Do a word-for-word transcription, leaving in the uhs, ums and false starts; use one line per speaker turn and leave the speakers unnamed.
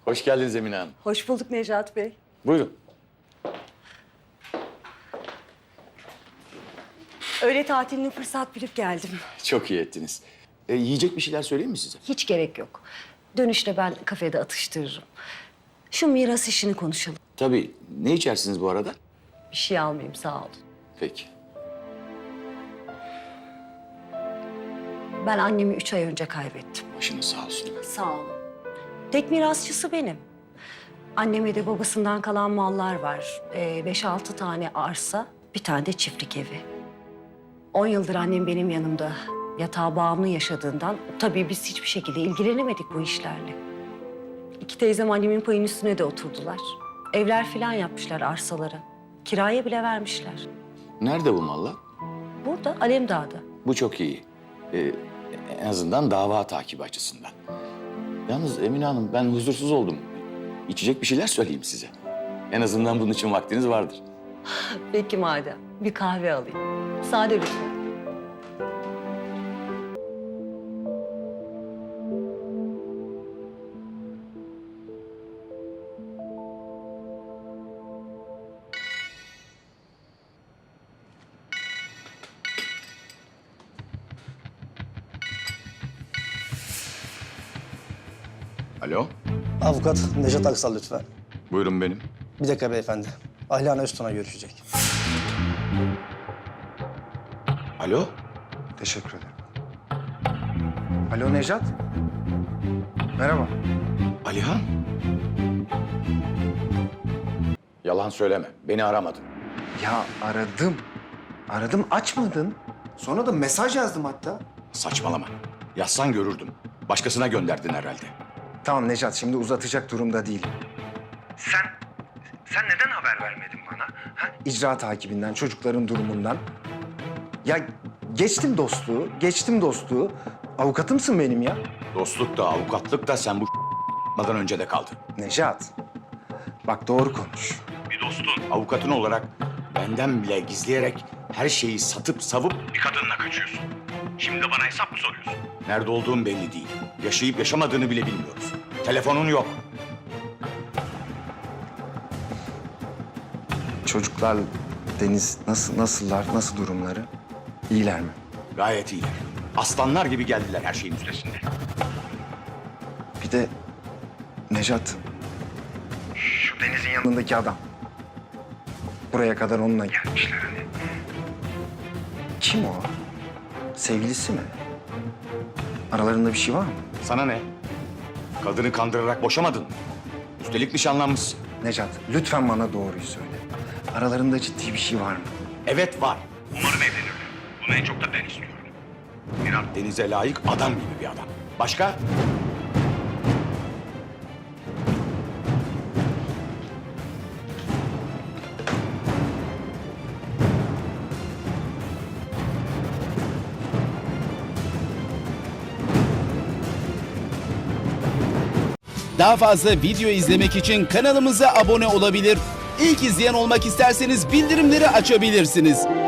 Hoş geldiniz Emine Hanım.
Hoş bulduk Necat Bey.
Buyurun.
Öğle tatilini fırsat bilip geldim.
Çok iyi ettiniz. E, yiyecek bir şeyler söyleyeyim mi size?
Hiç gerek yok. Dönüşte ben kafede atıştırırım. Şu miras işini konuşalım.
Tabii. Ne içersiniz bu arada?
Bir şey almayayım, sağ olun.
Peki.
Ben annemi üç ay önce kaybettim.
Başınız sağ olsun.
Sağ olun. Tek mirasçısı benim. Anneme de babasından kalan mallar var. Ee, beş altı tane arsa, bir tane de çiftlik evi. On yıldır annem benim yanımda yatağa bağımlı yaşadığından tabii biz hiçbir şekilde ilgilenemedik bu işlerle. İki teyzem annemin payının üstüne de oturdular. Evler falan yapmışlar arsaları. Kiraya bile vermişler.
Nerede bu mallar?
Burada, Alemdağ'da.
Bu çok iyi. E, en azından dava takibi açısından. Yalnız Emine Hanım ben huzursuz oldum. İçecek bir şeyler söyleyeyim size. En azından bunun için vaktiniz vardır.
Peki madem, bir kahve alayım. Sade lütfen.
Alo.
Avukat Necat Aksal lütfen.
Buyurun benim.
Bir dakika beyefendi. Ahlana Öztun'a görüşecek.
Alo.
Teşekkür ederim. Alo Nejat. Merhaba.
Alihan. Yalan söyleme. Beni aramadın.
Ya aradım. Aradım açmadın. Sonra da mesaj yazdım hatta.
Saçmalama. Yazsan görürdüm. Başkasına gönderdin herhalde.
Tamam Nejat şimdi uzatacak durumda değilim. Sen, sen neden haber vermedin bana? Ha? İcra takibinden, çocukların durumundan. Ya geçtim dostluğu, geçtim dostluğu. Avukatımsın benim ya.
Dostluk da avukatlık da sen bu madan önce de kaldı.
Nejat, bak doğru konuş.
Bir dostun. Avukatın olarak benden bile gizleyerek her şeyi satıp savup bir kadınla kaçıyorsun. Şimdi de bana hesap mı soruyorsun? Nerede olduğun belli değil. Yaşayıp yaşamadığını bile bilmiyoruz. Telefonun yok.
Çocuklar, Deniz nasıl, nasıllar, nasıl durumları? İyiler mi?
Gayet iyiler. Aslanlar gibi geldiler her şeyin üstesinde.
Bir de Nejat. Şu Deniz'in yanındaki adam. Buraya kadar onunla gelmişler hani. Kim o? Sevgilisi mi? Aralarında bir şey var mı?
Sana ne? Kadını kandırarak boşamadın mı? Üstelik nişanlanmışsın.
Nejat, lütfen bana doğruyu söyle. Aralarında ciddi bir şey var mı?
Evet var. Umarım evlenirler. Bunu en çok da ben istiyorum. Miran Deniz'e layık adam gibi bir adam. Başka?
Daha fazla video izlemek için kanalımıza abone olabilir. İlk izleyen olmak isterseniz bildirimleri açabilirsiniz.